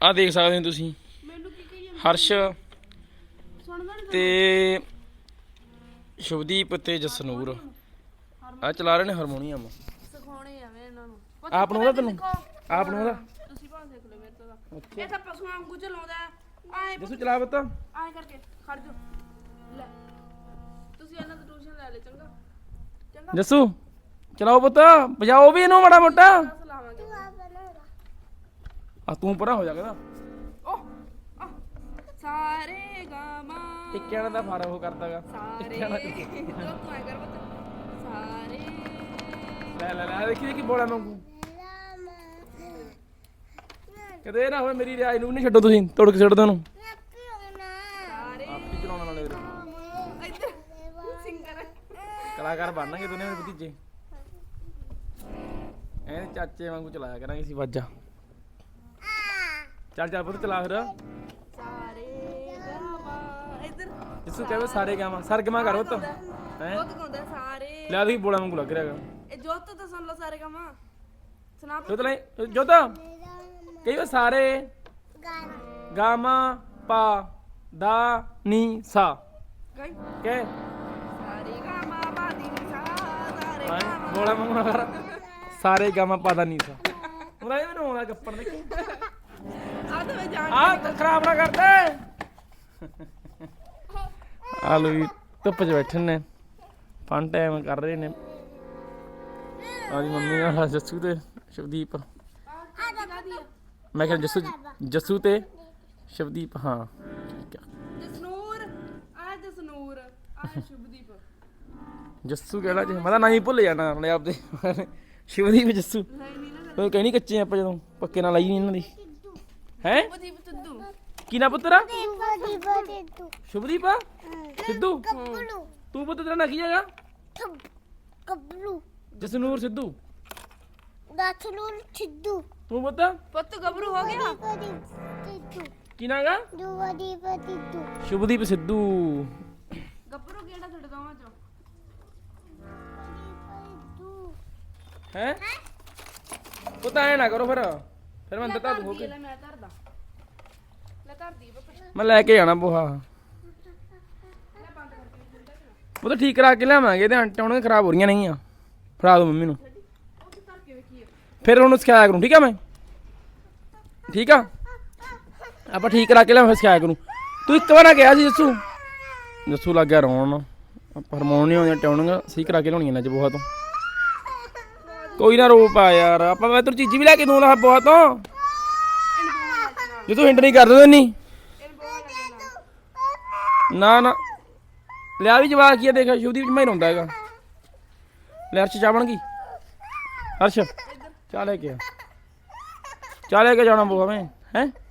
ਆ ਦੇਖ ਸਕਦੇ ਹੋ ਤੁਸੀਂ ਹਰਸ਼ ਤੇ ਸ਼ੁਭਦੀਪ ਤੇ ਜਸਨੂਰ ਆ ਚਲਾ ਰਹੇ ਨੇ ਹਾਰਮੋਨੀਅਮ। ਸਿਖਾਉਣੇ ਆਵੇਂ ਇਹਨਾਂ ਨੂੰ ਆਪ ਨੂੰ ਉਹਦਾ ਤੈਨੂੰ ਆਪ ਨੂੰ ਉਹਦਾ ਤੁਸੀਂ ਭਾਵੇਂ ਦੇਖ ਲਓ ਮੇਰੇ ਤੋਂ ਦਾ ਇਹ ਤਾਂ ਪਸ਼ੂਆਂ ਵਾਂਗੂ ਚਲਾਉਂਦਾ ਆਏ ਜਸੂ ਚਲਾ ਬੱਤਾ ਆਏ ਕਰਕੇ ਖੜ ਜਾ ਲੈ ਤੁਸੀਂ ਇਹਨਾਂ ਤੋਂ ਟਿਊਸ਼ਨ ਲੈ ਲੈ ਚੰਗਾ ਚੰਗਾ ਜਸੂ ਚਲਾਓ ਪੁੱਤ ਵਜਾਓ ਵੀ ਇਹਨੂੰ ਮਾੜਾ ਮੋਟਾ ਲਾਵਾਂਗੇ ਆ ਤੂੰ ਪਰਾਂ ਹੋ ਜਾ ਕਹਿੰਦਾ ਓਹ ਸਾਰੇ ਗਾਮਾ ਟਿੱਕਿਆਂ ਦਾ ਫਾਰਾ ਉਹ ਕਰਦਾਗਾ ਸਾਰੇ ਤੂੰ ਆਏ ਕਰ ਬੱਤ ਸਾਰੇ ਲੈ ਲੈ ਲੈ ਦੇਖੀ ਬੋਲਾ ਮੰਗੂ ਕਦੇ ਨਾ ਹੋਵੇ ਮੇਰੀ ਰਿਆਜ ਨੂੰ ਨਹੀਂ ਛੱਡੋ ਤੁਸੀਂ ਤੋੜ ਕੇ ਛੱਡ ਦੋ ਉਹਨੂੰ ਸਾਰੇ ਆਪੀ ਚਲਾਉਣ ਵਾਲੇ ਵੀਰੇ ਇੱਧਰ ਸਿੰਗਰ ਕਲਾਕਾਰ ਬਣਨਗੇ ਦੋਨੇ ਮੇਰੇ ਭਤੀਜੇ ਐ ਚਾਚੇ ਵਾਂਗੂ ਚਲਾਇਆ ਕਰਾਂਗੇ ਅਸੀਂ ਵਾਜਾ ਚੱਲ ਚੱਲ ਪੁੱਤ ਚਲਾ ਫਿਰ ਸਾਰੇ ਗਾਮਾ ਇੱਧਰ ਜਿਸੂ ਕਹੇ ਸਾਰੇ ਗਾਵਾਂ ਸਰਗਮਾ ਕਰ ਪੁੱਤ ਹੈ ਬਹੁਤ ਗਾਉਂਦਾ ਸਾਰੇ ਲੈ ਦੇਖੀ ਬੋਲਾ ਵਾਂਗੂ ਲੱਗ ਰਿਹਾਗਾ ਇਹ ਜੋਤ ਤਾਂ ਸੁਣ ਲਓ ਸਾਰੇ ਗਾਮਾ ਸੁਣਾ ਜੋਤ ਲੈ ਜੋਤਾ ਕਈ ਵਾਰ ਸਾਰੇ ਗਾਮਾ ਪਾ ਦਾ ਨੀ ਸਾ ਗਾਈ ਕੇ ਸਾਰੇ ਗਾਮਾ ਬਾਦੀ ਨੀ ਸਾ ਸਾਰੇ ਹਾਂ ਗਾਮਾ ਬੋਲਾ ਵਾਂਗੂ ਨਾ ਕਰ ਸਾਰੇ ਗਾਮਾ ਪਾ ਦਾ ਨੀ ਸਾ ਉਹਦਾ ਇਹ ਮੈਨੂੰ ਆਉਂਦਾ ਗੱਪਣ ਦੇਖੀ ਆ ਤਾਂ ਮੈਂ ਜਾਣ ਆ ਖਰਾਬ ਨਾ ਕਰਦੇ ਆਲੂ ਵੀ ਧੁੱਪ 'ਚ ਬੈਠੇ ਨੇ ਫਨ ਟਾਈਮ ਕਰ ਰਹੇ ਨੇ ਆਦੀ ਮੰਮੀ ਨਾਲ ਜੱਸੂ ਤੇ ਸ਼ਵਦੀਪ ਮੈਂ ਕਿਹਾ ਜੱਸੂ ਤੇ ਸ਼ਵਦੀਪ ਹਾਂ ਠੀਕ ਆ ਜਸਨੂਰ ਆ ਜਸਨੂਰ ਆ ਸ਼ੁਭਦੀਪ ਜੱਸੂ ਕਿਹੜਾ ਜੀ ਮੈਂ ਤਾਂ ਨਹੀਂ ਭੁੱਲ ਜਾਣਾ ਨਾਲੇ ਆਪਦੇ ਸ਼ਿਵਦੀਪ ਜੱਸੂ ਨਹੀਂ ਨਹੀਂ ਨਾ ਉਹ ਕਹਿਣੀ ਕੱਚੇ ਆਪਾਂ ਜਦੋਂ ਪੱਕੇ ਨਾਲ ਲਾਈ ਨਹੀਂ ਇਹਨਾਂ ਦੀ ਹੈ ਸ਼ੁਭਦੀਪ ਸਿੱਧੂ ਕੀ ਨਾ ਪੁੱਤਰਾ ਸ਼ੁਭਦੀਪ ਸਿੱਧੂ ਤੂੰ ਪੁੱਤ ਤੇਰਾ ਨਾਂ ਕੀ ਹੈਗਾ ਗੱਭਰੂ ਜਸਨੂਰ ਸਿੱਧੂ ਗਾਛਲੂਰ ਛਿੱਦੂ ਤੂੰ ਪੁੱਤ ਪੁੱਤ ਗੱਭਰੂ ਹੋ ਗਿਆ ਸਿੱਧੂ ਕੀ ਨਾਂ ਹੈਗਾ ਦੁਵਦੀ ਪਤਿੱਦੂ ਸ਼ੁਭਦੀਪ ਸਿੱਧੂ ਗੱਭਰੂ ਕਿਹੜਾ ਤੁਹਾਡੇ ਦੋਵਾਂ ਚੋਂ ਹੈ ਪੁੱਤ ਐ ਨਾ ਕਰੋ ਫਿਰ ਮੈਂ ਅੰਦਰ ਧਰ ਹੋ ਕੇ ਲੈ ਮੈਂ ਧਰਦਾ ਲੈ ਧਰਦੀ ਬੱਪਾ ਮੈਂ ਲੈ ਕੇ ਜਾਣਾ ਬੋਹਾ ਉਹ ਤਾਂ ਠੀਕ ਕਰਾ ਕੇ ਲਿਆਵਾਂਗੇ ਤੇ ਆਂਟੇ ਹੁਣ ਖਰਾਬ ਹੋ ਰਹੀਆਂ ਨਹੀਂ ਆ ਫੜਾ ਦੋ ਮੰਮੀ ਨੂੰ ਫਿਰ ਉਹਨੂੰ ਸਿਖਾਇਆ ਕਰੂੰ ਠੀਕ ਆ ਮੈਂ ਠੀਕ ਆ ਆਪਾਂ ਠੀਕ ਕਰਾ ਕੇ ਲਿਆਵਾਂ ਫਿਰ ਸਿਖਾਇਆ ਕਰੂੰ ਤੂੰ ਇੱਕ ਵਾਰ ਆ ਗਿਆ ਸੀ ਜੱਸੂ ਲੱਗ ਗਿਆ ਰੋਣ ਆਪਾਂ ਹਾਰਮੋਨੀਅਮ ਆਉਂਦੀਆਂ ਟਿਊਨਿੰਗ ਸਹੀ ਕਰਾ ਕੇ ਲਿਆਉਣੀ ਇਹਨਾਂ ਚ ਬੋਹਾ ਤੋਂ ਕੋਈ ਨਾ ਰੋ ਪਾ ਯਾਰ ਆਪਾਂ ਮੈਂ ਤੈਨੂੰ ਚੀਜ਼ੀ ਵੀ ਲੈ ਕੇ ਦੂੰਗਾ ਬੋਹਾ ਤੋਂ ਜੇ ਤੂੰ ਹਿੰਟ ਨਹੀਂ ਕਰ ਦਿੰਦਾ ਨਹੀਂ ਨਾ ਨਾ ਲਿਆ ਵੀ ਜਵਾਕ ਕੀ ਆ ਦੇਖ ਸ਼ੁਭਦੀਪ ਮੈਂ ਰੋਂਦਾ ਹੈਗਾ ਲੈ ਅਰਸ਼ ਚਾਹ ਬਣ ਗਈ ਹਰਸ਼ ਚਾਹ ਲੈ ਕੇ ਆ ਚਾਹ ਲੈ ਕੇ ਜਾਣਾ ਬੋਹਾ ਮੈਂ ਹੈ